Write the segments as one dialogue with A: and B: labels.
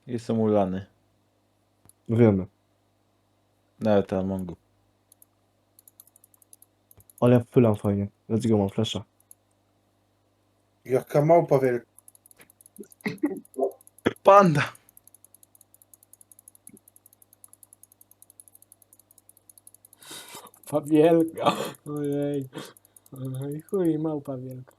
A: Jestem ulany.
B: Wiemy.
A: Nawet Amongu.
B: Ale ja wpylam fajnie. Let's go, mam flasha.
C: Jaka małpa wielka.
A: Panda!
D: Pawielka. Ojej. Oj, chuj, małpa wielka.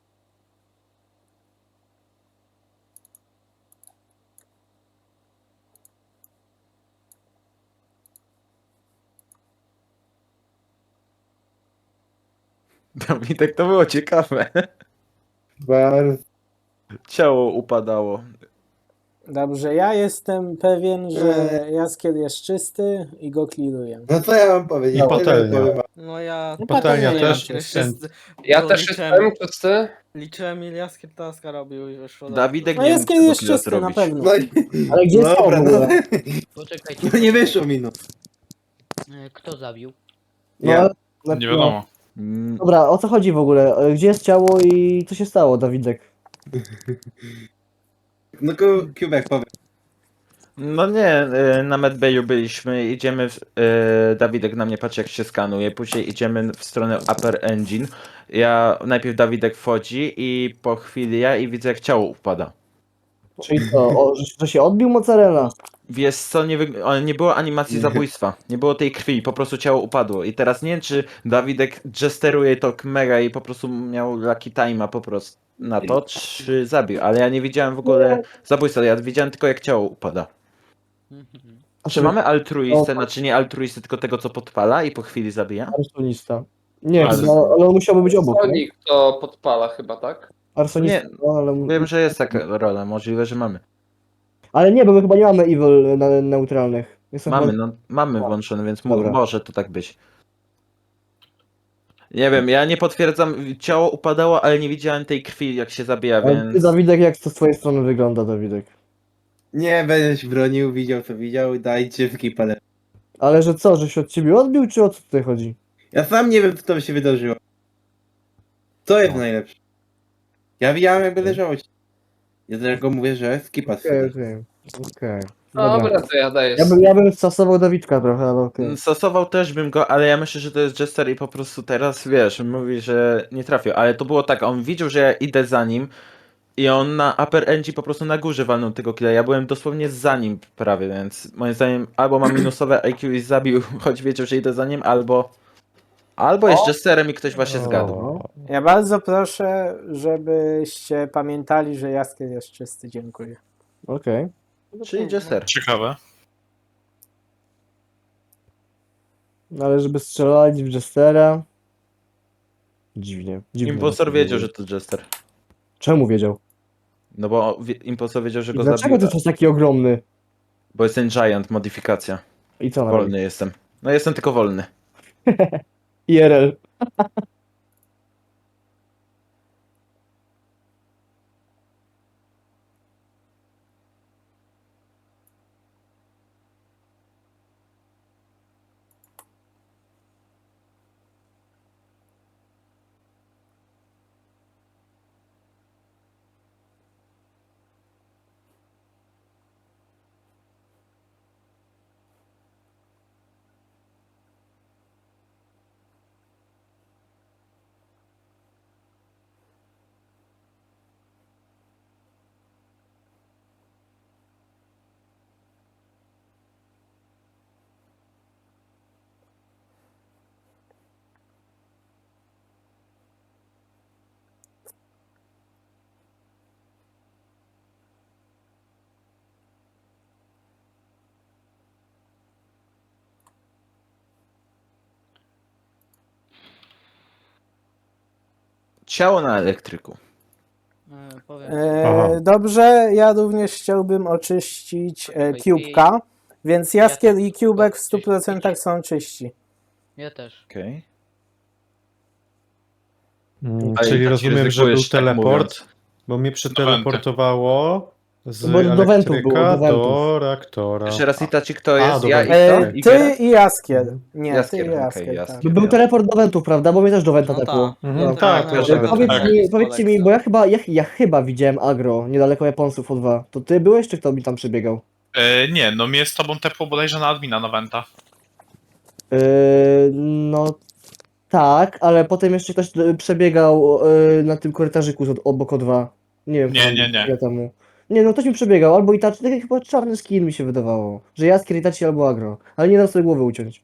A: Dawidek, to było ciekawe.
C: Bardzo.
A: Ciało upadało.
D: Dobrze, ja jestem pewien, że Jaskier jest czysty i go clearuję.
C: No co ja mam powiedzieć?
E: I patelnia.
C: Tyle powiem.
F: No ja...
D: No
E: Patelnia
D: patelnia
E: też.
D: jest.
G: Ja
F: bo
G: też jestem czysty.
F: Liczyłem ile Jaskier taska robił i wyszło...
A: Dawidek
D: No
A: nie
D: Jaskier
A: mógł
D: jest
A: tego
D: czysty, na
A: zrobić.
D: pewno.
C: No i...
B: Ale gdzie jest ciało w
C: Dobra,
B: ogóle?
F: Poczekajcie.
C: No nie wyszło mi no.
F: Kto zabił?
B: No,
C: Ja.
B: na-
E: Nie wiadomo.
A: Mm,
B: Dobra, o co chodzi w ogóle? Gdzie jest ciało i co się stało, Dawidek?
C: No Kubek powie.
A: No nie, na Medbayu byliśmy, idziemy, Dawidek na mnie patrzy jak się skanuje, później idziemy w stronę Upper Engine. Najpierw Dawidek wchodzi i po chwili ja i widzę jak ciało upada.
B: Czyli co, że się odbił mozzarella?
A: Wiesz co, nie było animacji zabójstwa, nie było tej krwi, po prostu ciało upadło. I teraz nie wiem czy Dawidek jesteruje to mega i po prostu miał lucky time'a po prostu na to, czy zabił, ale ja nie widziałem w ogóle zabójstwa, ja widziałem tylko jak ciało upada.
B: A
A: Czy mamy altruistę,
B: No,
A: znaczy nie altruistę, tylko tego co podpala i po chwili zabija?
B: Arsonista. Nie,
A: Ale-
B: chyba, ale on musiałby być obok, nie?
G: Sonic to podpala chyba, tak?
B: Arsonista,
A: Nie,
B: no, ale...
A: Wiem, że jest taka rola, możliwe, że mamy.
B: Ale nie, bo my chyba nie mamy evil neutralnych. Jestem
A: Mamy,
B: chyba...
A: no, mamy włączone, więc
B: Dobra.
A: może to tak być. Nie wiem, ja nie potwierdzam, ciało upadało, ale nie widziałem tej krwi jak się zabija,
B: Ale ty,
A: więc...
B: Dawidek, jak to z twojej strony wygląda, Dawidek?
C: Nie będziesz bronił, widział co widział, dajcie w kipale.
B: Ale że co, że się od ciebie odbił, czy o co tutaj chodzi?
C: Ja sam nie wiem co tam się wydarzyło. Co jest najlepsze? Ja widziałem jakby leżało. Ja dlatego mówię, że skipa
B: Okej,
C: okay.
B: okej. Dobra.
G: Dobra, to ja daję.
B: Ja bym stosował Dawidka trochę, ale okej.
A: Stosował też bym go, ale ja myślę, że to jest Jester i po prostu teraz, wiesz, mówi, że nie trafił, ale to było tak, on widział, że ja idę za nim i on na Upper Engine po prostu na górze walnął tego killa, ja byłem dosłownie za nim prawie, więc moim zdaniem albo ma minusowe IQ i zabił, choć wiedział, że idę za nim, albo jest Jesterem i ktoś właśnie zgadł.
D: Ja bardzo proszę, żebyście pamiętali, że Jaskier jest czysty. Dziękuję.
B: Okej.
A: Czyli Jester.
E: Ciekawe.
B: No ale żeby strzelać w Jestera... Dziwnie.
A: Impostor wiedział, że to Jester.
B: Czemu wiedział?
A: No bo Impostor wiedział, że
B: I
A: go
B: dlaczego
A: zabił,
B: ty jesteś taki ogromny?
A: bo jest ten Giant, modyfikacja.
B: I co na robi?
A: Wolny jestem. No jestem tylko wolny.
B: IRL.
A: Ciało na elektryku.
F: Powiem.
E: Aha.
D: Dobrze, ja również chciałbym oczyścić Cubeka, więc Jaskier i Cubek w 100% są czyści.
F: Ja też.
A: Okej.
E: Czyli
A: tak
E: rozumiem, że był
A: ryzykujesz, tak
E: teleport,
A: mówiąc.
E: bo mnie przeteleportowało Z
B: Bo do wentów było,
E: elektryka
B: do wentów.
E: do reaktora.
A: Jeszcze raz Itachi, kto jest?
E: dobra.
A: Ja i kto? I
D: Ty
A: Geralt?
D: i Jaskier. Nie,
A: Jaskier,
D: ty i
A: okej,
D: Jaskier, tak.
A: Jaskier.
B: Był teleport do wentów, prawda? Bo mnie też do wenta
H: No
B: tepło.
H: tak.
E: Mhm,
B: No.
E: tak,
H: no,
E: też
H: no,
E: tak.
B: Powiedzcie mi, bo ja chyba widziałem agro, niedaleko Japońców O2. To ty byłeś, czy kto mi tam przebiegał?
I: Nie, no mnie z tobą tepło bodajże na admina na Wenta.
B: No tak, ale potem jeszcze ktoś przebiegał na tym korytarzyku obok O2. Nie wiem,
I: Nie.
B: chwilę temu. Nie, no ktoś mi przebiegał, albo Itachi, taki chyba czarny skin mi się wydawało. Że Jaskier, Itachi albo agro. Ale nie dam sobie głowy uciąć.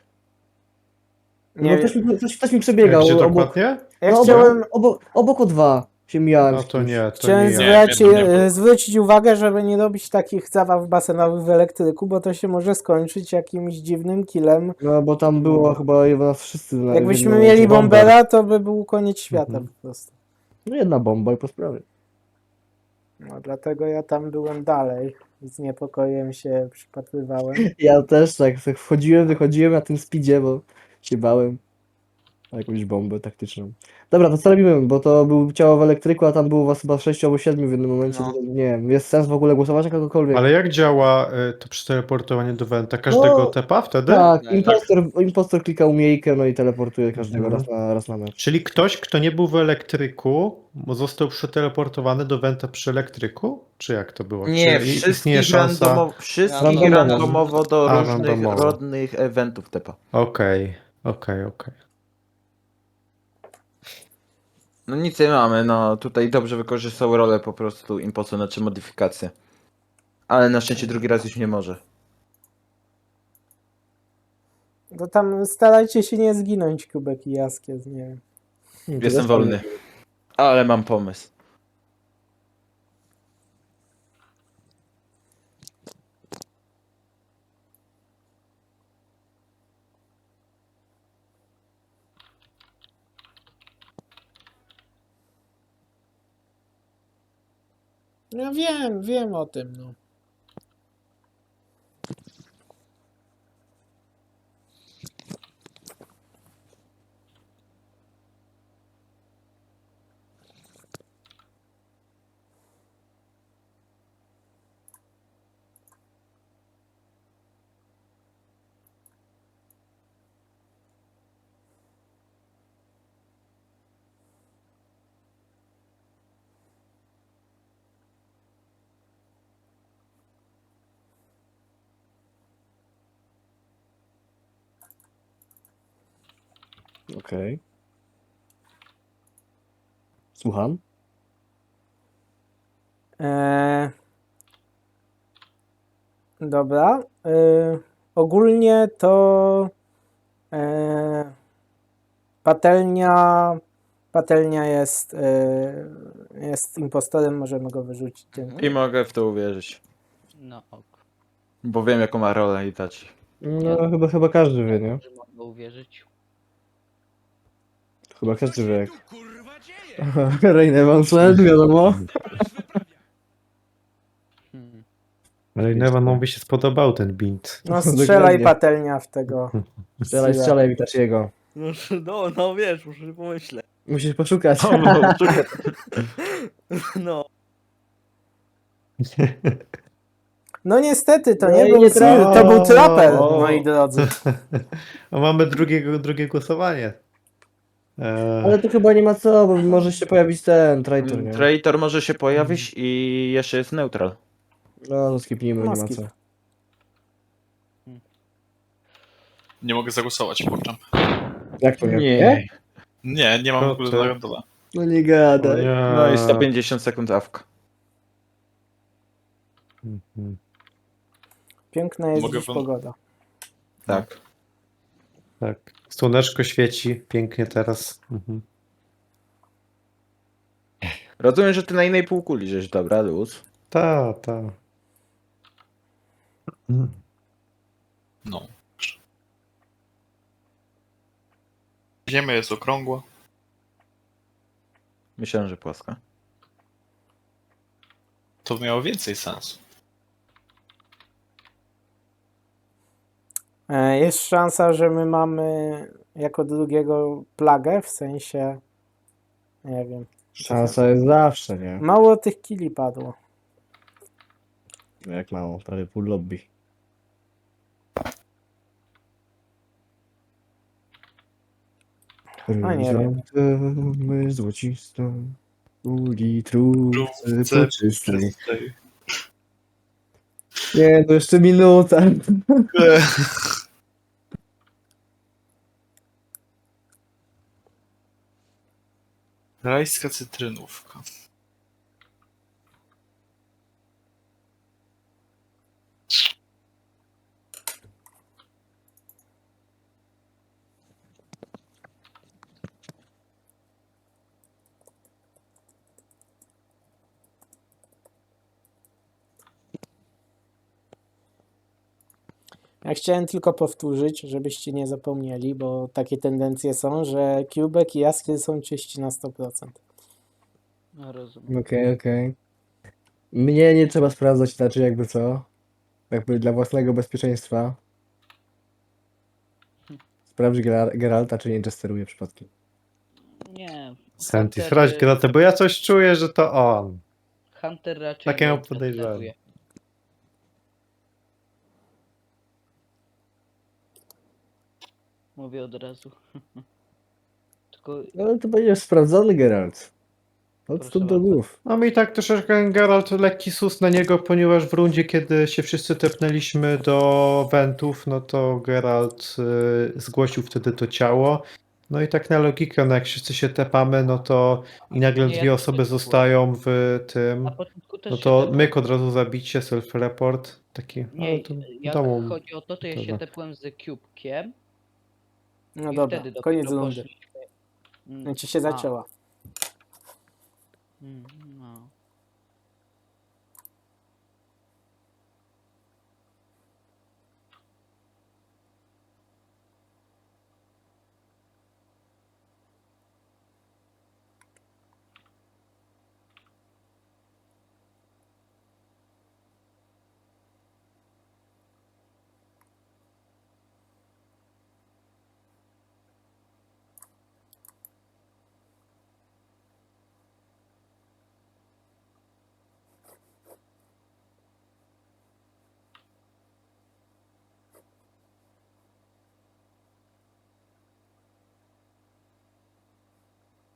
D: Nie
B: No,
D: wiem.
B: ktoś mi przebiegał
E: Gdzie
B: obok,
E: dokładnie?
D: Ja
B: no,
D: chciałem,
B: obok O2 się mijałem.
E: No
B: z
E: to
B: kimś.
E: nie, to
D: chciałem
E: nie ja.
D: zwrócić uwagę, żeby nie robić takich zabaw basenowych w elektryku, bo to się może skończyć jakimś dziwnym killem.
B: No bo tam było chyba nas wszyscy na w
D: Jakbyśmy
B: jednym
D: mieli
B: momencie.
D: bombera, to by był koniec świata
E: Mhm.
D: po prostu.
B: No jedna bomba i po sprawie.
D: No dlatego ja tam byłem dalej. Z niepokojem się przypatrywałem.
B: Ja też tak wchodziłem, wychodziłem na tym speedzie, bo się bałem o jakąś bombę taktyczną. Dobra, to co robimy? Bo to był ciało w elektryku, a tam było was chyba 6 albo 7 w jednym momencie.
H: No.
B: To nie wiem, jest sens w ogóle głosować na kogokolwiek?
E: Ale jak działa to przeteleportowanie do Wenta? Każdego
B: No,
E: tepa wtedy?
B: Tak,
H: Tak.
B: impostor klika umiejkę, no i teleportuje każdego
E: Mhm.
B: raz na mecz.
E: Czyli ktoś, kto nie był w elektryku, został przeteleportowany do Wenta przy elektryku? Czy jak to było?
A: Nie,
E: Czy
A: wszystkich
E: istnieje szansa?
A: wszystkich
B: Randomowo.
A: randomowo do
E: A,
A: różnych
E: randomowo.
A: rodnych eventów tepa.
E: Okej.
A: No nic nie mamy, no tutaj dobrze wykorzystał rolę po prostu imposu, znaczy modyfikację. Ale na szczęście drugi raz już nie może.
D: To tam starajcie się nie zginąć, Kubek i Jaskier, nie wiem.
A: Jestem wolny. Ale mam pomysł.
D: Ja wiem o tym, no.
B: Okej. Słucham?
D: Dobra. Ogólnie to patelnia jest impostorem, możemy go wyrzucić tym.
A: I mogę w to uwierzyć.
F: No ok.
A: Bo wiem jaką ma rolę Itachi.
B: No chyba każdy wie, nie?
F: Że mogę uwierzyć.
B: Chyba każdy wie jak. Rejne wam wiadomo.
F: Hmm.
E: Ale Nevanowi się spodobał ten bint.
D: No strzelaj
B: Dokładnie.
D: patelnia w tego.
B: Strzelaj Witachiego.
H: No wiesz, muszę pomyśleć.
B: Musisz poszukać.
H: No.
D: No niestety, to
B: No
D: nie
B: i
D: był
B: nie
D: Cyril, to był Trapper,
E: O.
D: moi drodzy.
E: A mamy drugie głosowanie.
B: Ale to chyba nie ma co, bo może się pojawić ten traitor, nie?
A: Traitor może się pojawić i jeszcze jest neutral.
B: No, to skipnijmy,
D: No,
B: nie ma
D: skip.
B: co.
I: Nie mogę zagłosować, kurczę.
B: Jak to nie?
I: Nie mam w
E: To
I: ogóle
E: ty.
I: na dole.
B: No nie gadaj.
A: No i 150 sekund awka.
E: Mhm.
D: Piękna jest
I: Mogę
D: dziś
I: wam-
D: pogoda.
A: Tak.
E: Tak. Słoneczko świeci pięknie teraz. Mhm.
A: Rozumiem, że ty na innej półkuli żeś, dobra, luz.
E: Ta.
I: No. Ziemia jest okrągła.
A: Myślałem, że płaska.
I: To miało więcej sensu.
D: Jest szansa, że my mamy jako drugiego plagę, w sensie, nie wiem.
B: Szansa jest zawsze, nie?
D: Mało tych killi padło.
B: Jak mało, prawie pół lobby.
D: A nie wiem.
B: Chryzantemy złocistą, u litrówce poczystej. Nie, to jeszcze minuta.
I: Rajska cytrynówka.
D: Ja chciałem tylko powtórzyć, żebyście nie zapomnieli, bo takie tendencje są, że Cubek i Jaskier są czyści na 100%.
F: No rozumiem.
B: Okej. Mnie nie trzeba sprawdzać inaczej, jakby co. Jakby dla własnego bezpieczeństwa. Sprawdź Geralta, czy nie jesteruje przypadkiem.
F: Nie.
E: Santi,
F: Hunter,
E: sprawdź Gratę, bo ja coś czuję, że to on.
F: Hunter raczej
E: Takie mam
F: nie
E: podejrzenie.
F: testeruje. Mówię od razu. Tylko
B: No to będzie sprawdzony Geralt. Od
F: Proszę
B: stóp do
F: bardzo.
B: głów.
E: No mi tak troszeczkę Geralt lekki sus na niego, ponieważ w rundzie, kiedy się wszyscy tepnęliśmy do wentów, no to Geralt zgłosił wtedy to ciało. No i tak na logikę, no jak wszyscy się tepamy, no to i nagle
F: Nie, ja
E: dwie
F: też
E: osoby
F: tak
E: zostają w tym,
F: na początku też
E: no
F: się
E: to
F: tepłem.
E: myk od razu zabicie, self-report, taki, ale
F: Nie,
E: to
F: jak
E: domu.
F: chodzi o to, to ja się
E: Dobra.
F: tepłem z Cube'kiem
D: No
F: i
D: dobra,
F: wtedy dopiero
D: koniec rundy.
F: poszliśmy.
D: Znaczy się zaczęła.
F: No.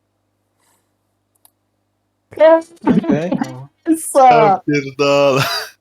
B: Okej.
I: Pierdolę.